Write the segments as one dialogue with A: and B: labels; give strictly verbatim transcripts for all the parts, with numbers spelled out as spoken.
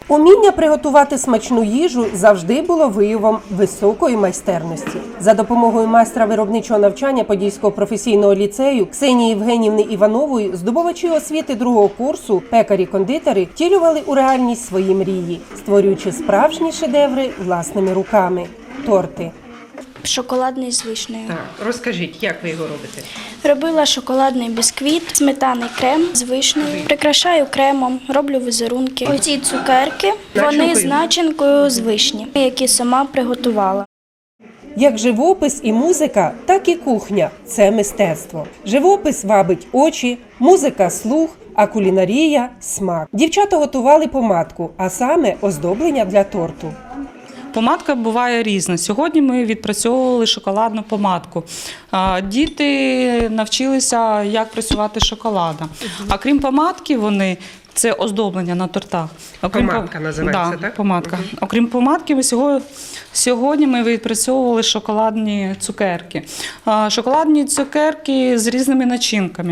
A: Уміння приготувати смачну їжу завжди було виявом високої майстерності. За допомогою майстра виробничого навчання Подільського професійного ліцею Ксенії Євгенівни Іванової здобувачі освіти другого курсу, пекарі-кондитери втілювали у реальність свої мрії, створюючи справжні шедеври власними руками – торти.
B: Шоколадний з вишнею.
C: Так, розкажіть, як ви його робите?
B: Робила шоколадний бісквіт, сметаний крем з вишнею. Прикрашаю кремом, роблю візерунки. Оці цукерки, вони з начинкою з вишні, які сама приготувала.
A: Як живопис і музика, так і кухня – це мистецтво. Живопис вабить очі, музика – слух, а кулінарія – смак. Дівчата готували помадку, а саме оздоблення для торту.
D: Помадка буває різна. Сьогодні ми відпрацьовували шоколадну помадку. Діти навчилися, як працювати з шоколадом. А крім помадки, вони це оздоблення на тортах. Окрім
C: Помадка називається,
D: да,
C: так?
D: Помадка. Угу. Окрім помадки, ми сьогодні, сьогодні ми відпрацьовували шоколадні цукерки. Шоколадні цукерки з різними начинками.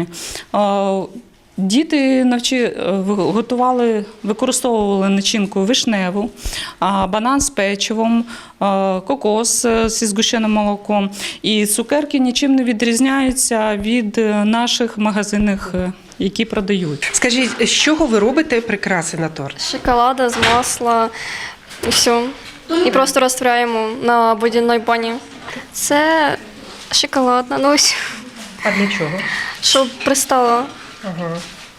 D: Діти навчи, готували, використовували начинку вишневу, банан з печивом, кокос зі згущеним молоком. І цукерки нічим не відрізняються від наших магазинних, які продають.
C: Скажіть, з чого ви робите прикраси на торт?
E: З шоколада, з масла і все. І просто розтворяємо на водяній бані. Це шоколадна, ну ось,
C: А для чого?
E: щоб пристало.
C: Ага.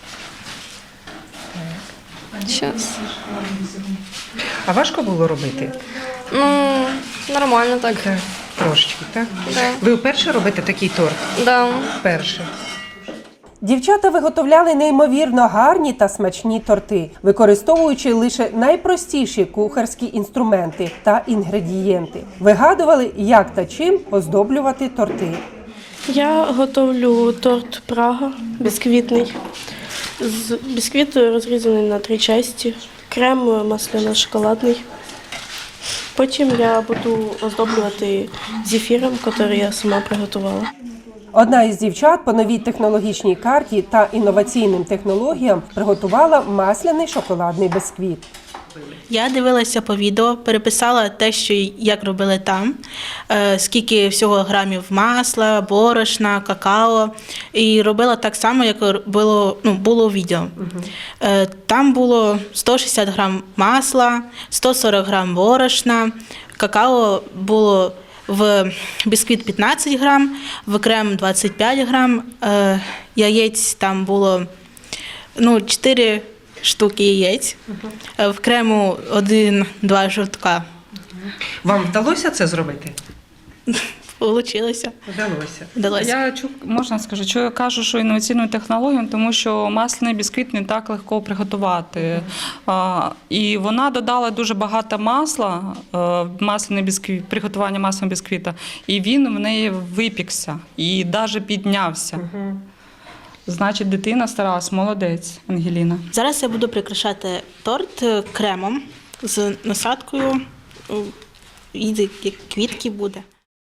E: Щас.
C: А важко було робити?
E: Ну, нормально так.
C: Так, трошечки, так?
E: Да.
C: Ви вперше робите такий торт?
E: Да.
C: Вперше.
A: Дівчата виготовляли неймовірно гарні та смачні торти, використовуючи лише найпростіші кухарські інструменти та інгредієнти. Вигадували, як та чим оздоблювати торти.
F: Я готовлю торт Прага бісквітний. З бісквіт розрізаний на три частини, крем масляно-шоколадний. Потім я буду оздоблювати зефіром, який я сама приготувала.
A: Одна із дівчат по новій технологічній карті та інноваційним технологіям приготувала масляний шоколадний бісквіт.
G: Я дивилася по відео, переписала те, що як робили там, скільки всього грамів масла, борошна, какао. І робила так само, як було, ну, було у відео. Угу. Там було сто шістдесят грам масла, сто сорок грам борошна, какао було в бісквіт п'ятнадцять грам, в крем двадцять п'ять грам, яєць там було ну, чотири штуки яєць, uh-huh. в крему один-два жовтка.
C: Uh-huh. Вам вдалося це зробити?
G: Получилося.
C: Вдалося.
G: Вдалося.
D: Я можна скажу, що я кажу, що інноваційною технологією, тому що масляний бісквіт не так легко приготувати. Mm-hmm. А, і вона додала дуже багато масла, масляний бісквіт, приготування масляного бісквіта, і він в неї випікся і навіть піднявся. Mm-hmm. Значить, дитина старалась, молодець, Ангеліна.
G: Зараз я буду прикрашати торт кремом з насадкою, і квітки буде.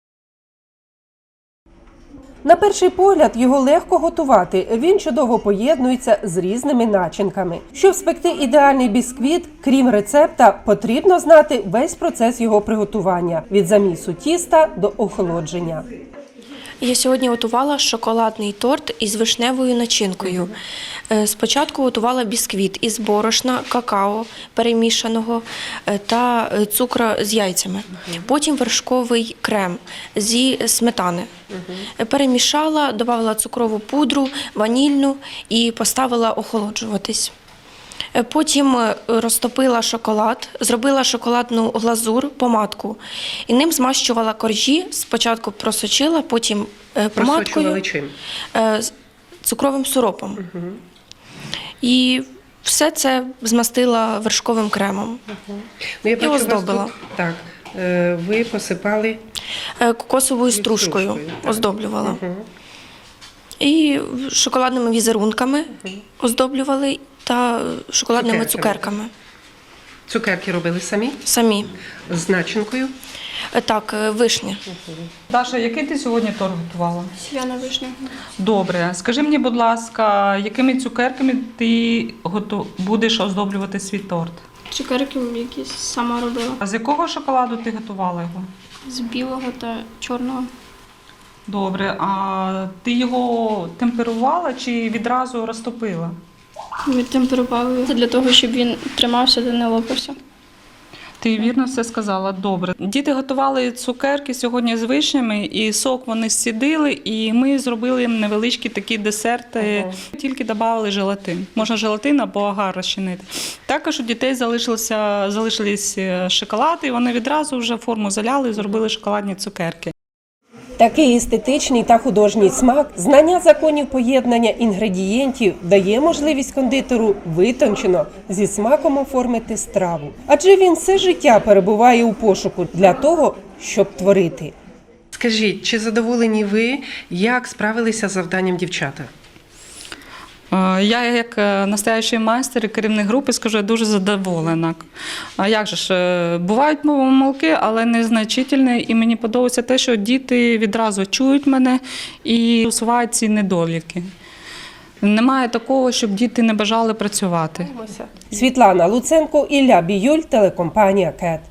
A: На перший погляд його легко готувати, він чудово поєднується з різними начинками. Щоб спекти ідеальний бісквіт, крім рецепта, потрібно знати весь процес його приготування – від замісу тіста до охолодження.
H: Я сьогодні готувала шоколадний торт із вишневою начинкою. Спочатку готувала бісквіт із борошна, какао перемішаного та цукру з яйцями. Потім вершковий крем зі сметани. Перемішала, додала цукрову пудру, ванільну і поставила охолоджуватись. Потім розтопила шоколад, зробила шоколадну глазур, помадку. І ним змащувала коржі, спочатку просочила, потім помадкою,
C: чим?
H: цукровим сиропом. Угу. І все це змастила вершковим кремом.
C: Угу. Ну, я
H: і оздобила.
C: Тут, так, ви посипали?
H: Кокосовою стружкою, стружкою оздоблювала. Угу. І шоколадними візерунками угу. оздоблювали. Та шоколадними Цукерки. цукерками.
C: Цукерки робили самі?
H: Самі.
C: З начинкою?
H: Так, вишні.
D: Даша, який ти сьогодні торт готувала?
E: Сіяна вишня.
D: Добре. Скажи мені, будь ласка, якими цукерками ти готов... будеш оздоблювати свій торт?
B: Цукерки якісь сама робила.
D: А з якого шоколаду ти готувала його?
B: З білого та чорного.
D: Добре, а ти його темперувала чи відразу розтопила?
B: Відтемперували для того, щоб він тримався та не лопався.
D: Ти вірно все сказала. Добре. Діти готували цукерки сьогодні з вишнями, і сок вони зцідили, і ми зробили їм невеличкі такі десерти, тільки додали желатин. Можна желатин або агар розчинити. Також у дітей залишилося, залишились шоколад, і вони відразу вже форму заляли і зробили шоколадні цукерки.
A: Такий естетичний та художній смак, знання законів поєднання інгредієнтів дає можливість кондитеру витончено зі смаком оформити страву. Адже він все життя перебуває у пошуку для того, щоб творити.
C: Скажіть, чи задоволені ви, як справилися з завданням дівчата?
D: Е, Я, як е, настоящий майстер і керівник групи, скажу, я дуже задоволена. А як же ж, е, бувають помилки, але незначительні, і мені подобається те, що діти відразу чують мене і усувають ці недоліки. Немає такого, щоб діти не бажали працювати.
A: Світлана Луценко, Ілля Біюль, телекомпанія КЕТ.